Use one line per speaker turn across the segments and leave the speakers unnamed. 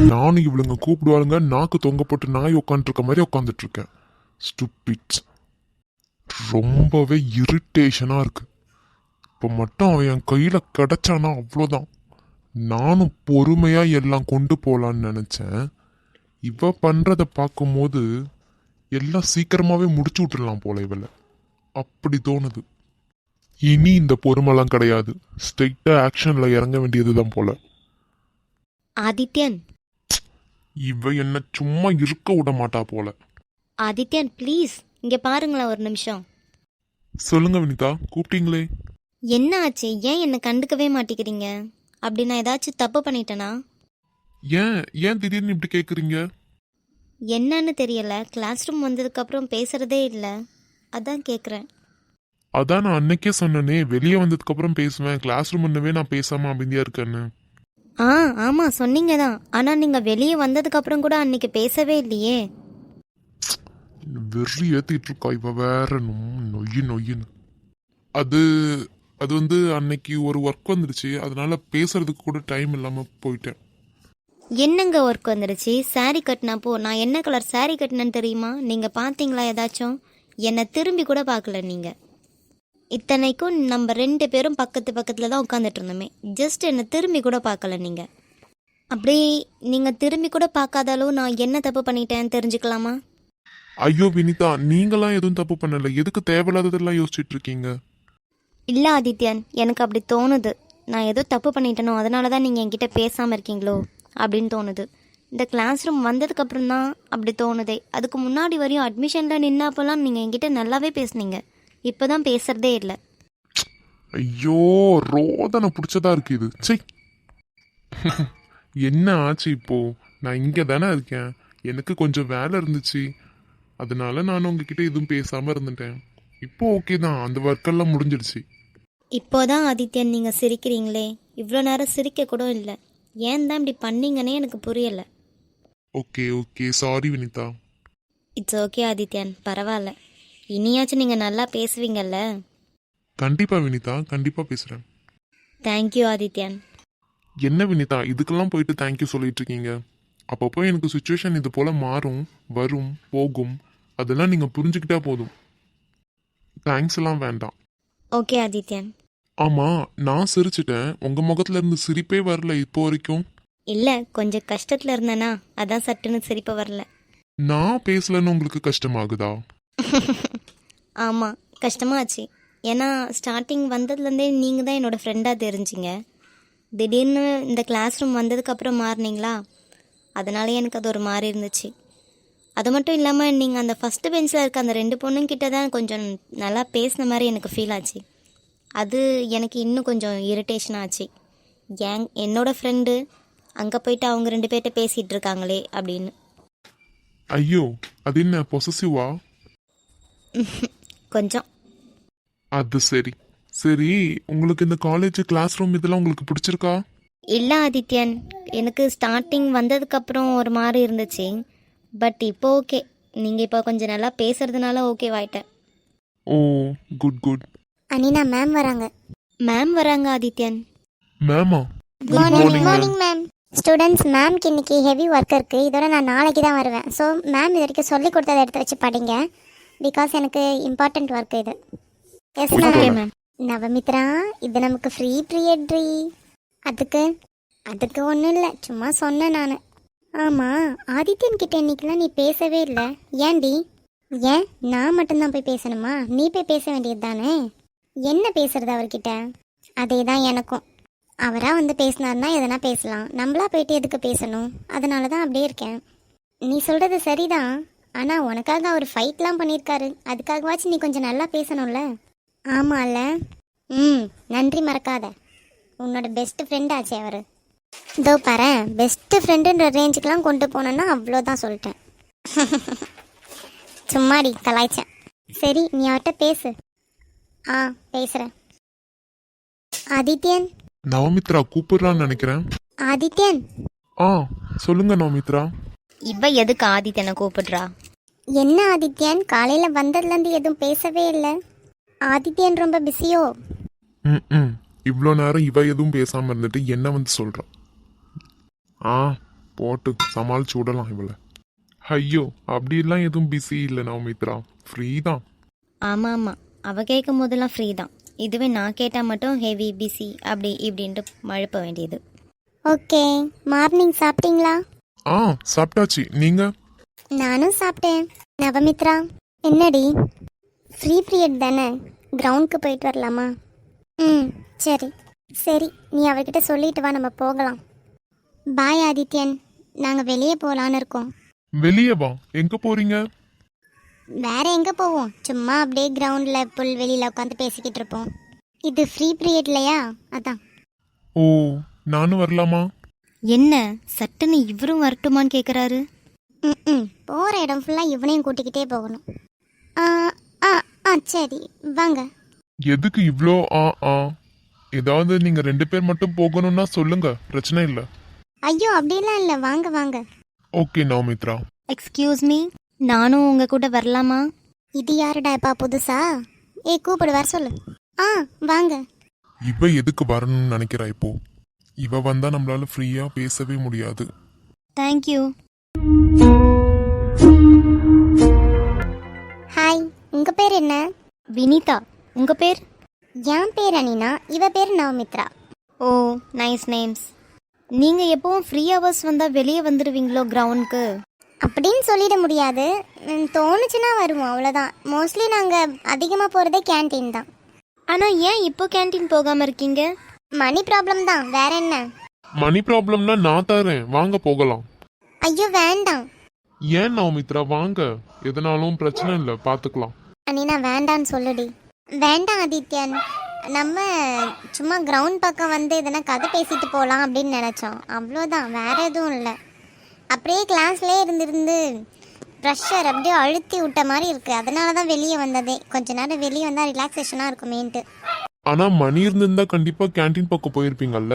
நானும் இவளுங்க கூப்பிடுவாளுங்க நாக்கு தொங்க போட்டு நாய் உட்காந்துருக்க மாதிரி உட்காந்துட்டு இருக்கேன். ஸ்டூபிட்ஸ். ரொம்பவே இரிட்டேஷனா இருக்கு. இப்போ மட்டும் அவன் என் கையில கிடைச்சானா அவ்வளோதான். நானும் பொறுமையா எல்லாம் கொண்டு போலான்னு நினைச்சேன். இவ பண்றத பார்க்கும்போது எல்லாம் சீக்கிரமாவே முடிச்சு விட்டுடலாம் போல இவளை. அப்படி தோணுது. இனி இந்த பொறுமைலாம் கிடையாது. ஸ்ட்ரெயிட்டா ஆக்ஷன்ல இறங்க வேண்டியதுதான் போல.
ஆதித்யன்,
இவ என்ன சும்மா இருக்க விட மாட்டா போல.
ஆதித்யன் ப்ளீஸ் இங்க பாருங்களேன் ஒரு நிமிஷம்.
சொல்லுங்க வினிதா, கூப்பிட்டீங்களே?
என்ன ஆச்சு? ஏன் என்னை கண்டுக்கவே மாட்டேங்கிறீங்க? அப்படி நான் ஏதாச்சும் தப்பு பண்ணிட்டேனா?
ஏன் ஏன் திடீர்னு இப்படி கேக்குறீங்க?
என்னன்னு தெரியல, கிளாஸ் ரூம் வந்ததுக்கப்புறம் பேசுறதே இல்லை, அதான் கேட்குறேன்.
அதான் நான் அன்னைக்கே சொன்னனே, வெளியே வந்ததுக்கு அப்புறம் பேசுவேன், கிளாஸ் ரூம் முன்னவே நான் பேசாம அமைதியா இருக்கேன்னு.
ஆ ஆமாம் சொன்னீங்க தான், ஆனால் நீங்கள் வெளியே வந்ததுக்கப்புறம் கூட அன்னைக்கு பேசவே இல்லையே.
வெறி ஏத்திட்டு இருக்கா இவ வேற. நொய்யு நொய்யுன்னு. அது அது வந்து அன்னைக்கு ஒரு ஒர்க் வந்துருச்சு, அதனால பேசுறதுக்கு கூட டைம் இல்லாம போயிட்டேன்.
என்னங்க ஒர்க் வந்துடுச்சு? சாரீ கட்டினப்போ நான் என்ன கலர் சாரீ கட்டினேன்னு தெரியுமா? நீங்கள் பார்த்தீங்களா ஏதாச்சும்? என்னை திரும்பி கூட பார்க்கல நீங்கள். இத்தனைக்கும் நம்ம 2 பேரும் பக்கத்து பக்கத்தில் தான் உட்காந்துட்டு இருந்தோமே, ஜஸ்ட் என்னை திரும்பி கூட பார்க்கல நீங்கள். அப்படி நீங்கள் திரும்பி கூட பார்க்காத அளவு நான் என்ன தப்பு பண்ணிட்டேன்னு தெரிஞ்சுக்கலாமா?
ஐயோ வினிதா, நீங்களாம் எதுவும் தப்பு பண்ணல, எதுக்கு தேவையில்லாததெல்லாம் யோசிச்சுட்டு இருக்கீங்க?
இல்லை ஆதித்யன், எனக்கு அப்படி தோணுது. நான் ஏதோ தப்பு பண்ணிட்டேனோ, அதனால தான் நீங்கள் என்கிட்ட பேசாமல் இருக்கீங்களோ அப்படின்னு தோணுது. இந்த கிளாஸ் ரூம் வந்ததுக்கப்புறம் தான் அப்படி தோணுதே. அதுக்கு முன்னாடி வரையும் அட்மிஷனில் நின்னப்போலாம் நீங்கள் என்கிட்ட நல்லாவே பேசுனீங்க. இப்போ தான் பேசுகிறதே இல்லை.
ஐயோ, ரோதனை பிடிச்சதா இருக்கு இது. சை. என்ன ஆச்சு இப்போ? நான் இங்கே தானே இருக்கேன், எனக்கு கொஞ்சம் வேலை இருந்துச்சு, அதனால நான் உங்ககிட்ட எதுவும் பேசாமல் இருந்துட்டேன். இப்போ ஓகே தான், அந்த ஒர்க்கெல்லாம் முடிஞ்சிடுச்சு.
இப்போதான் ஆதித்யன் நீங்கள் சிரிக்கிறீங்களே, இவ்வளோ நேரம் சிரிக்க கூட இல்லை. ஏன் தான் இப்படி பண்ணீங்கன்னே எனக்கு புரியலை.
Okay okay, sorry Vinitha.
It's okay Adithyan, பரவாயில்ல. இனியாச்சும் நீங்கள் நல்லா பேசுவீங்கல்ல?
கண்டிப்பா வினிதா, கண்டிப்பா பேசுறேன்.
தேங்க்யூ ஆதித்யன்.
என்ன வினிதா இதுக்கெல்லாம் போயிட்டு தேங்க்யூ சொல்லிட்டு இருக்கீங்க? அப்பப்போ எனக்கு சுச்சுவேஷன் இது போல மாறும், வரும், போகும், அதெல்லாம் நீங்க புரிஞ்சுக்கிட்டா போதும். தேங்க்ஸ் எல்லாம் வேண்டாம்.
ஓகே ஆதித்யன்.
ஆமா, நான் சிரிச்சிட்டேன், உங்க முகத்துல இருந்து சிரிப்பே வரல இப்போ வரைக்கும்.
இல்லை, கொஞ்சம் கஷ்டத்தில் இருந்தேனா, அதான் சட்டுன்னு சிரிப்ப வரல.
நான் பேசலன்னு உங்களுக்கு கஷ்டமாகுதா?
ஆமாம், கஷ்டமாச்சு. ஏன்னா ஸ்டார்டிங் வந்ததுலேருந்தே நீங்கள் தான் என்னோடய ஃப்ரெண்டாக தெரிஞ்சிங்க. திடீர்னு இந்த கிளாஸ் ரூம் வந்ததுக்கப்புறம் மாறினீங்களா, அதனால எனக்கு அது ஒரு மாதிரி இருந்துச்சு. அது மட்டும் இல்லாமல் நீங்கள் அந்த ஃபஸ்ட்டு பெஞ்சில் இருக்க அந்த 2 பொண்ணுங்கிட்ட தான் கொஞ்சம் நல்லா பேசின மாதிரி எனக்கு ஃபீல் ஆச்சு. அது எனக்கு இன்னும் கொஞ்சம் இரிட்டேஷன் ஆச்சு. என்னோடய ஃப்ரெண்டு அங்கே போயிட்டு அவங்க 2 பேர்கிட்ட பேசிகிட்டு இருக்காங்களே அப்படின்னு.
ஐயோ, அது என்ன பொசசிவா?
கொஞ்சம்.
அது சரி. சரி, உங்களுக்கு இந்த காலேஜ் கிளாஸ் ரூம் இதெல்லாம் உங்களுக்கு பிடிச்சிருக்கா?
இல்லை ஆதித்யன், எனக்கு ஸ்டார்டிங் வந்ததுக்கப்புறம் ஒரு மாதிரி இருந்துச்சு. பட் இப்போ ஓகே, நீங்கள் இப்போ கொஞ்சம் நல்லா பேசுறதுனால ஓகேவாயிட்டேன்.
Oh, good good.
Anina ma'am வராங்க.
மேம் வராங்க ஆதித்யன்.
மேமா?
Good morning ma'am. ஸ்டூடெண்ட்ஸ், மேம்க்கு இன்னைக்கு ஹெவி ஒர்க் இருக்குது, இதோட நான் நாளைக்கு தான் வருவேன். ஸோ மேம் இது வரைக்கும் சொல்லி கொடுத்ததை எடுத்து வச்சு படிங்க, பிகாஸ் எனக்கு இம்பார்ட்டண்ட் ஒர்க் இது. Yes ma'am. நவமித்ரா, இது நமக்கு ஃப்ரீ பீரியட். அதுக்கு அதுக்கு ஒன்றும் இல்லை, சும்மா சொன்னேன் நான். ஆமாம், ஆதித்யன் கிட்ட இன்னைக்கெல்லாம் நீ பேசவே இல்லை, ஏன்டி? ஏன் நான் மட்டும்தான் போய் பேசணுமா? நீ போய் பேச வேண்டியது தானே. என்ன பேசுறது அவர்கிட்ட? அதே தான் எனக்கும். அவராக வந்து பேசினார்னா எதனா பேசலாம், நம்மளா போயிட்டு எதுக்கு பேசணும்? அதனால தான் அப்படியே இருக்கேன். நீ சொல்கிறது சரிதான், ஆனால் உனக்காக அவர் ஃபைட்லாம் பண்ணியிருக்காரு, அதுக்காகவாச்சும் நீ கொஞ்சம் நல்லா பேசணும்ல. ஆமாம்ல. நன்றி மறக்காத, உன்னோட பெஸ்ட் ஃப்ரெண்ட் ஆச்சு அவர். இதோ பாரு, பெஸ்ட்டு ஃப்ரெண்டுன்ற ரேஞ்சுக்கெலாம் கொண்டு போனேன்னா அவ்வளோதான் சொல்லிட்டேன். சும்மாடி கலாய்ச்சேன். சரி, நீ அவர்கிட்ட பேசு. பேசுகிறேன். ஆதித்யன்.
நவமித்ரா கூப்பிடுறான்னு நினைக்கிறேன்.
ஆதித்யன்.
சொல்லுங்க நவமித்ரா.
இவ எதுக்கு ஆதித்யனை கூப்பிடுறா?
என்ன ஆதித்யன், காலையில் வந்ததுலேருந்து எதுவும் பேசவே இல்லை. ஆதித்யன் ரொம்ப பிஸியோ?
இவ்வளோ நேரம் இவ எதுவும் பேசாமல் இருந்துட்டு என்ன வந்து சொல்கிறான்? போட்டு சமாளிச்சு விடலாம் இவளை. ஐயோ அப்படிலாம் எதுவும் பிஸி இல்லை நவமித்ரா, ஃப்ரீ தான்.
ஆமாம் ஆமாம், அவள் கேட்கும் போதெல்லாம் ஃப்ரீ தான். இதுவே நான் கேட்டால் மட்டும் ஹெவி பிஸி அப்படி இப்படின்ட்டு மழுப்ப வேண்டியது.
ஓகே, மார்னிங் சாப்பிட்டீங்களா?
ஆ சாப்பிட்டாச்சு, நீங்க?
நானும் சாப்பிட்டேன். நவமித்ரா, என்னடி ஃப்ரீ பீரியட் தானே, கிரவுண்டுக்கு போயிட்டு வரலாமா? ம் சரி சரி, நீ அவர்கிட்ட சொல்லிட்டு வா, நம்ம போகலாம். பாய் ஆதித்யன், நாங்கள் வெளியே போகலான்னு இருக்கோம்.
வெளியே வா, எங்க போறீங்க?
வேற எங்கே போவோம், சும்மா அப்படியே கிரவுண்டில் புல்வெளியில் உட்காந்து பேசிக்கிட்டு இருப்போம். இது ஃப்ரீ பீரியட் இல்லையா, அதான்.
ஓ, நானும் வரலாமா?
என்ன சட்டுன்னு இவரும் வரட்டுமான்னு கேட்குறாரு.
ம் போகிற இடம் ஃபுல்லாக இவனையும் கூட்டிக்கிட்டே போகணும். ஆ ஆ ஆ சரி வாங்க.
எதுக்கு இவ்வளோ ஏதாவது நீங்க 2 பேர் மட்டும் போகணும்னா சொல்லுங்க, பிரச்சனை இல்லை.
ஐயோ அப்படிலாம் இல்லை, வாங்க வாங்க.
ஓகே நவமித்ரா.
எக்ஸ்கியூஸ் மீ, நானும் உங்கள் கூட வரலாமா?
இது யாருடாப்பா புதுசா? கூப்பிடு, வர சொல்லு. ஆ வாங்க.
இவ எதுக்கு வரணும்னு நினைக்கிறா இப்போ? இவ வந்தா நம்மளால ஃப்ரீயா பேசவே முடியாது.
தேங்க்யூ.
ஹாய், உங்க பேர் என்ன?
வினிதா. உங்கள் பேர்?
என் பேர் அனினா, இவ பேர் நவமித்ரா.
ஓ, நைஸ் நேம்ஸ். நீங்கள் எப்பவும் ஃப்ரீ ஹவர்ஸ் வந்தால் வெளியே வந்துடுவீங்களோ கிரவுண்டுக்கு?
அப்படின்னு சொல்லிட முடியாது, தோணுச்சுன்னா வருவோம், அவ்வளோதான். மோஸ்ட்லி நாங்கள் அதிகமாக போகிறதே கேன்டீன் தான்.
ஆனால் ஏன் இப்போ கேன்டீன் போகாமல் இருக்கீங்க?
மணி ப்ராப்ளம் தான், வேற என்ன?
மணி ப்ராப்ளம்னா நான் தரேன், வாங்க போகலாம்.
ஐயோ வேண்டாம்.
ஏன் நவமித்ரா, வாங்க, எதனாலும் பிரச்சனை இல்லை, பார்த்துக்கலாம்.
அனினா வேண்டான்னு சொல்லுடி. வேண்டாம் ஆதித்யன், நம்ம சும்மா கிரவுண்ட் பக்கம் வந்து எதனா கதை பேசிட்டு போகலாம் அப்படின்னு நினச்சோம், அவ்வளோதான், வேற எதுவும் இல்லை. அப்படியே கிளாஸ்லேயே இருந்திருந்து ப்ரெஷர் அப்படியே அழுத்தி விட்ட மாதிரி இருக்குது, அதனால தான் வெளியே வந்ததே. கொஞ்ச நேரம் வெளியே வந்தால் ரிலாக்ஸேஷனாக இருக்குமேன்ட்டு.
ஆனா மணி இருந்திருந்தா கண்டிப்பா கேண்டீன் பக்கம் போயிருப்பீங்கல்ல.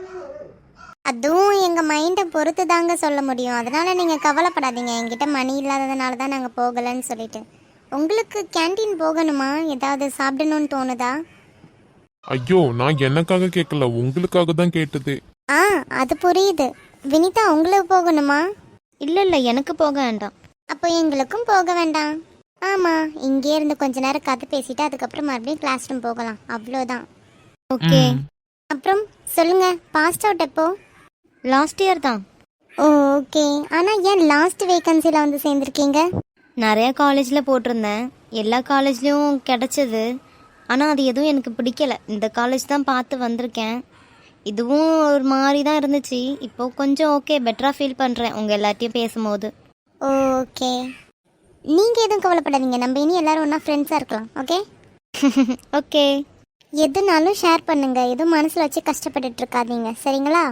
அதுவும் எங்கள் மைண்டை பொறுத்து தாங்க சொல்ல முடியும், அதனால் நீங்கள் கவலைப்படாதீங்க. என்கிட்ட மணி இல்லாததுனால தான் நாங்கள் போகலைன்னு சொல்லிட்டு. உங்களுக்கு கேண்டீன் போகணுமா, ஏதாவது சாப்பிடணும்னு தோணுதா?
ஐயோ, நான் எனக்காக கேட்கல, உங்களுக்காக தான் கேட்டது.
ஆ அது புரியுது. வினிதா, உங்களுக்கு போகணுமா?
இல்லை இல்லை, எனக்கு போக வேண்டாம்.
அப்போ எங்களுக்கும் போக வேண்டாம். ஆமாம், இங்கே இருந்து கொஞ்ச நேரம் கதை பேசிட்டு அதுக்கப்புறம் மறுபடியும் கிளாஸ் ரூம் போகலாம், அவ்வளோதான்.
ஓகே.
அப்புறம் சொல்லுங்க, பாஸ்ட் அவுட் எப்போ?
லாஸ்ட் இயர் தான்.
ஓ ஓகே, ஆனால் ஏன் லாஸ்ட் வேகன்சியில் வந்து சேர்ந்துருக்கீங்க?
நிறைய காலேஜில் போட்டிருந்தேன், எல்லா காலேஜ்லேயும் கிடச்சிது. ஆனால் அது எதுவும் எனக்கு பிடிக்கல, இந்த காலேஜ் தான் பார்த்து வந்திருக்கேன். இதுவும் ஒரு மாதிரி தான் இருந்துச்சு. இப்போது கொஞ்சம் ஓகே, பெட்டராக ஃபீல் பண்ணுறேன் உங்கள் எல்லாத்தையும் பேசும்போது.
ஓகே, நீங்கள் எதுவும் கவலைப்படாதீங்க, நம்ம இனி எல்லாரும் ஒன்றா ஃப்ரெண்ட்ஸாக இருக்கலாம். Okay
okay.
எதுனாலும் ஷேர் பண்ணுங்க, எதுவும் மனசில் வச்சு கஷ்டப்பட்டுட்டு இருக்காதீங்க, சரிங்களா?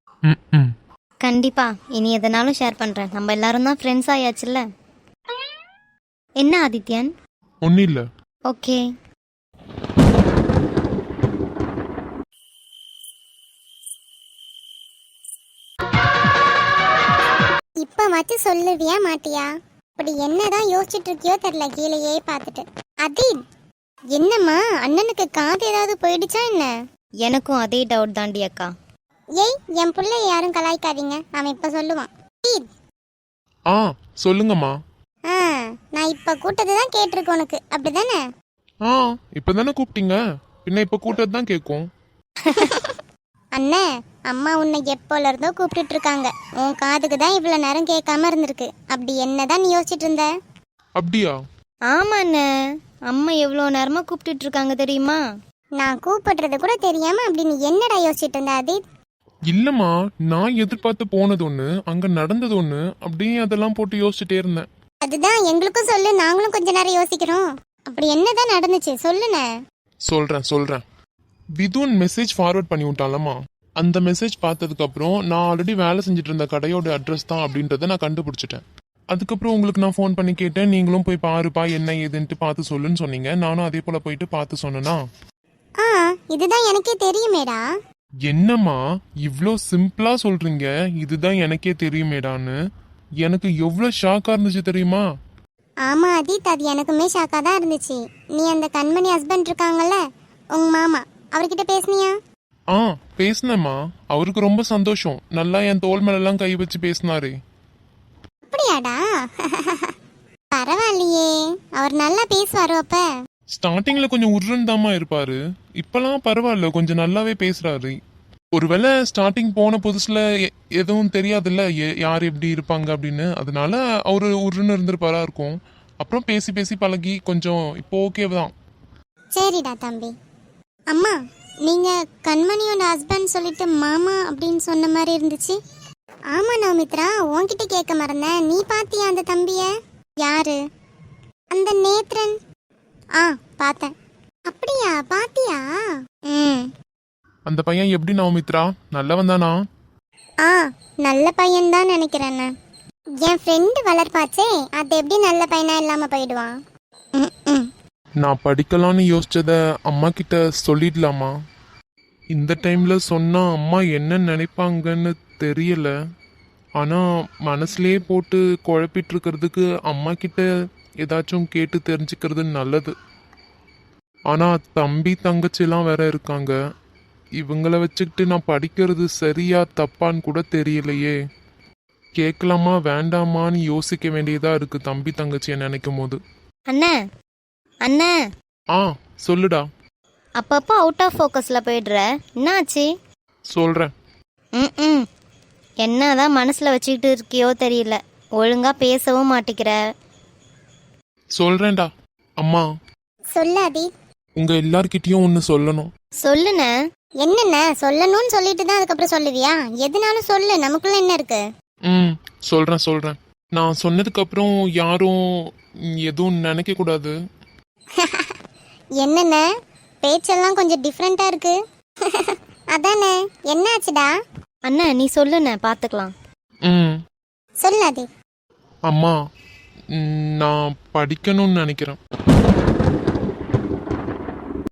கண்டிப்பாக, இனி எதனாலும் ஷேர் பண்ணுறேன். நம்ம எல்லாரும் தான் ஃப்ரெண்ட்ஸ் ஆயாச்சுல்ல. என்ன ஆதித்யன்?
ஒன்னும் இல்லை.
ஓகே.
இப்போ வச்சு சொல்லுவியா மாட்டியா? அப்படி என்னதான் யோசிச்சுட்டு இருக்கியோ தெரியல, கீழேயே பார்த்துட்டு. அதீத், என்னம்மா, அண்ணனுக்கு காது ஏதாவது போயிடுச்சா என்ன?
எனக்கும் அதே டவுட் தாண்டி அக்கா.
ஏய், என் பிள்ளை யாரும் கலாய்க்காதீங்க, அவன் இப்போ சொல்லுவான். அதீத்,
சொல்லுங்கம்மா.
நான் இப்போ கூட்டது தான் கேட்டிருக்கு உனக்கு, அப்படிதானே?
இப்பதானே கூப்பிட்டீங்க, பின்ன இப்ப கூட்டது தான் கேட்கும்.
அண்ணே, அம்மா உன்னை எப்போல இருந்தோ கூப்பிட்டுட்டு இருக்காங்க, உன் காதுக்கு தான் இவ்வளவு நேரம் கேட்காம இருந்திருக்கு. அப்படி என்னதான் நீ யோசிச்சுட்டு இருந்த?
அப்படியா?
ஆமாண்ணே, அம்மா எவ்வளோ நேரமாக கூப்பிட்டுட்டு இருக்காங்க தெரியுமா?
நான் கூப்பிடுறது கூட தெரியாம அப்படி நீ என்னடா யோசிச்சுட்டு இருந்த அதீத்?
இல்லம்மா, நான் எதிர்பார்த்து போனது ஒண்ணு, அங்க நடந்தது ஒண்ணு, அப்படியே அதெல்லாம் போட்டு யோசிச்சுட்டே இருந்தேன்.
அதுதான் எங்களுக்கும் சொல்லு, நாங்களும் கொஞ்ச நேரம் யோசிக்கிறோம். அப்படி என்னதான் நடந்துச்சு சொல்லுண்ணே.
சொல்றேன். விதுன் மெசேஜ் ஃபார்வர்ட் பண்ணி விட்டாலம்மா. அந்த மெசேஜ் பார்த்ததுக்கு அப்புறம் நான் ஆல்ரெடி வேலை செஞ்சுட்டு இருந்த கடையோட அட்ரஸ் தான் அப்படின்றத நான் கண்டுபிடிச்சிட்டேன். அதுக்கப்புறம் உங்களுக்கு நான் ஃபோன் பண்ணி கேட்டேன், நீங்களும் போய் பாருப்பா என்ன ஏதுன்ட்டு பார்த்து சொல்லுன்னு சொன்னீங்க. நானும் அதே போல போயிட்டு பார்த்து சொன்னேனா.
இதுதான் எனக்கே தெரியுமேடா.
என்னம்மா இவ்ளோ சிம்பிளா சொல்றீங்க, இதுதான் எனக்கே தெரியுமேடான்னு? எனக்கு எவ்வளவு ஷாக்கா இருந்துச்சு தெரியுமா?
ஆமா அதீத், அது எனக்குமே ஷாக்கா தான் இருந்துச்சு. நீ அந்த கண்மணி ஹஸ்பண்ட் இருக்காங்கல்ல, உங்க மாமா, அவர்கிட்ட பேசுனியா?
ஆ பேசினேம்மா. அவருக்கு ரொம்ப சந்தோஷம். நல்லா என் தோள் மேலெல்லாம் கை வச்சு பேசினாரே.
அப்படியாடா? பரவாயில்லையே, அவர் நல்லா பேசுவாரோ அப்ப?
ஸ்டார்டிங்ல கொஞ்சம் உருன்னு தாம்மா இருப்பாரு. இப்பெல்லாம் பரவாயில்ல, கொஞ்சம் நல்லாவே பேசுறாரு. ஒருவேளை ஸ்டார்டிங் போன புதுசுல எதுவும் தெரியாதுல்ல, யார் எப்படி இருப்பாங்க அப்படின்னு. அதனால அவரு உருன்னு இருந்திருப்பாரா இருக்கும். அப்புறம் பேசி பேசி பழகி கொஞ்சம் இப்போ ஓகே தான்.
சரிடா தம்பி. அம்மா, நீங்க கண்மணியோட ஹஸ்பண்ட் சொல்லிட்டு மாமா அப்படின்னு சொன்ன மாதிரி இருந்துச்சு. ஆமா நவமித்ரா, உன்கிட்ட கேட்க மறந்தேன். நீ பாத்தியா அந்த தம்பிய? யாரு? அந்த நேத்ரன். ஆ பார்த்தேன். அப்படியா? பாத்தியா? ம்.
அந்த பையன் எப்படி நவமித்ரா, நல்லவன் தானா?
ஆ நல்ல பையன் தான் நினைக்கிறேன். என் ஃப்ரெண்டு வளர்ப்பாச்சே, அது எப்படி நல்ல பையனா இல்லாம போயிடுவான்? ம்.
நான் படிக்கலான்னு யோசிச்சத அம்மா கிட்ட சொல்லிடலாமா? இந்த டைம்ல சொன்னா அம்மா என்ன நினைப்பாங்கன்னு தெரியல. ஆனா மனசுலயே போட்டு குழப்பிட்டு இருக்கிறதுக்கு அம்மா கிட்ட ஏதாச்சும் கேட்டு தெரிஞ்சுக்கிறது நல்லது. ஆனா தம்பி தங்கச்சிலாம் வேற இருக்காங்க. இவங்கள வச்சுக்கிட்டு நான் படிக்கிறது சரியா தப்பான்னு கூட தெரியலையே. கேட்கலாமா வேண்டாமான்னு யோசிக்க வேண்டியதா இருக்கு தம்பி தங்கச்சியை நினைக்கும் போது.
அண்ணே அண்ணே,
ஆ சொல்லுடா.
அப்பப்போ அவுட் ஆஃப் ஃபோக்கஸில் போயிடுற, என்னாச்சு?
சொல்றேன்.
ம் என்னதான் மனசில் வச்சுக்கிட்டு இருக்கியோ தெரியல, ஒழுங்காக பேசவும் மாட்டிக்கிற.
சொல்றேன்டா. அம்மா,
சொல்லாதி.
உங்க எல்லார்கிட்டயும் ஒன்னு சொல்லணும்.
சொல்லுண்ணே.
என்னென்ன சொல்லணும்னு சொல்லிட்டு தான் அதுக்கப்புறம் சொல்லுவியா? எதுனாலும் சொல்லு, நமக்குள்ள என்ன இருக்கு?
சொல்றேன். நான் சொன்னதுக்கு அப்புறம் யாரும் எதுவும் நினைக்க கூடாது.
என்னென்ன பேச்செல்லாம் கொஞ்சம் டிஃப்ரெண்டா இருக்கு. அதானே, என்னாச்சுடா?
அண்ணா நீ சொல்லுண்ணே, பார்த்துக்கலாம்.
சொல்லாதி.
அம்மா, நான் படிக்கணும்னு நினைக்கிறேன்.